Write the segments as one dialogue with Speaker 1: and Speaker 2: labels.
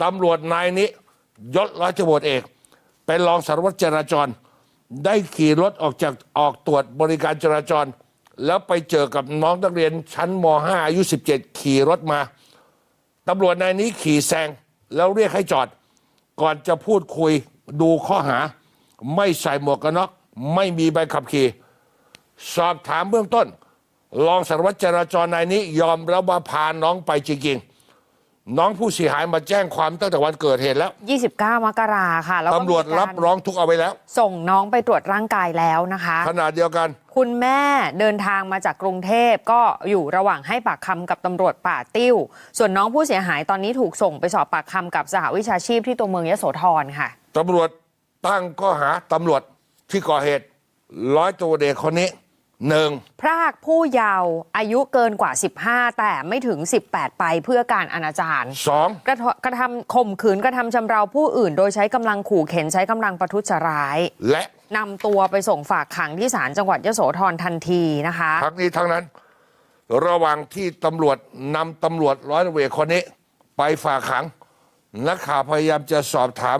Speaker 1: ตำรวจนายนี้ยศร้อยตำรวจเอกเป็นรองสารวัตรจราจรได้ขี่รถออกตรวจบริการจราจรแล้วไปเจอกับน้องนักเรียนชั้นม.5 อายุ 17 ขี่รถมาตำรวจนายนี้ขี่แซงแล้วเรียกให้จอดก่อนจะพูดคุยดูข้อหาไม่ใส่หมวกกันน็อกไม่มีใบขับขี่สอบถามเบื้องต้นรองสารวัตรจราจรนายนี้ยอมรับว่าพาน้องไปจริงๆน้องผู้เสียหายมาแจ้งความตั้งแต่วันเกิดเหตุแล้ว
Speaker 2: 29 มกราค่ะแล้ว
Speaker 1: ตำรวจรับร้องทุกข์เอาไว้แล้ว
Speaker 2: ส่งน้องไปตรวจร่างกายแล้วนะคะ
Speaker 1: ขณะเดียวกัน
Speaker 2: คุณแม่เดินทางมาจากกรุงเทพก็อยู่ระหว่างให้ปากคำกับตำรวจป่าติ้วส่วนน้องผู้เสียหายตอนนี้ถูกส่งไปสอบปากคำกับสหวิชาชีพที่ตัวเมืองยโสธรค่ะ
Speaker 1: ตำรวจตั้งข้อหาตำรวจที่ก่อเหตุร้อยตำรวจเอกคนนี้1.
Speaker 2: พรากผู้เยาว์อายุเกินกว่า 15แต่ไม่ถึง 18ไปเพื่อการอนาจาร
Speaker 1: 2.
Speaker 2: กระทำข่มขืนกระทำชำเราผู้อื่นโดยใช้กำลังขู่เข็นใช้กำลังประทุษร้าย
Speaker 1: และ
Speaker 2: นำตัวไปส่งฝากขังที่ศาลจังหวัดยโสธรทันทีนะคะ
Speaker 1: ทั้งนี้ทั้งนั้นระหว่างที่ตำรวจนำตำรวจร้อยตำรวจเอกคนนี้ไปฝากขังนักข่าวพยายามจะสอบถาม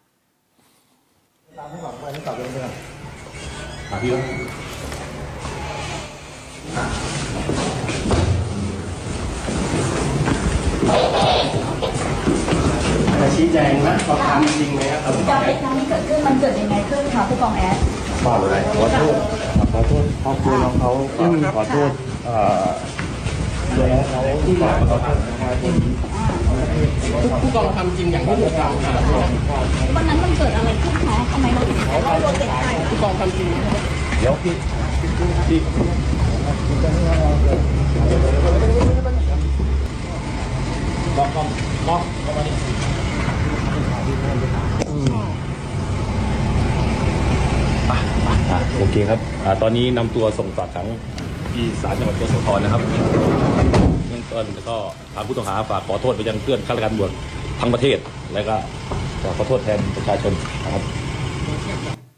Speaker 3: จะชี้แจงนะเขาทำจริงไหมครับ
Speaker 4: การเหตุการณ์นี้เกิดขึ้นมันเกิดยังไงขึ้นคะผู้กองแอด
Speaker 3: ขออะไรขอโทษครอบครัวน้องเขาขอโทษตัวน้องเขาที่มาขอโทษผู้กองทำจริงอย่างที่ถูกกล่าวหา
Speaker 4: วันนั้นมันเกิดอะไรขึ้นคะทำไมเราถึงต้องโดนติดใจ
Speaker 3: ผู้กองทำจริงเดี๋ยวพี่บอกมาดิ
Speaker 5: โอเคครับตอนนี้นำตัวส่งฝากขังที่ศาลจังหวัดยโสธรนะครับเบื้องต้นก็ทางผู้ต้องหาฝากขอโทษไปยังเพื่อนข้าราชการตำรวจทั้งประเทศและก็ขอโทษแทนประชาชนนะครับ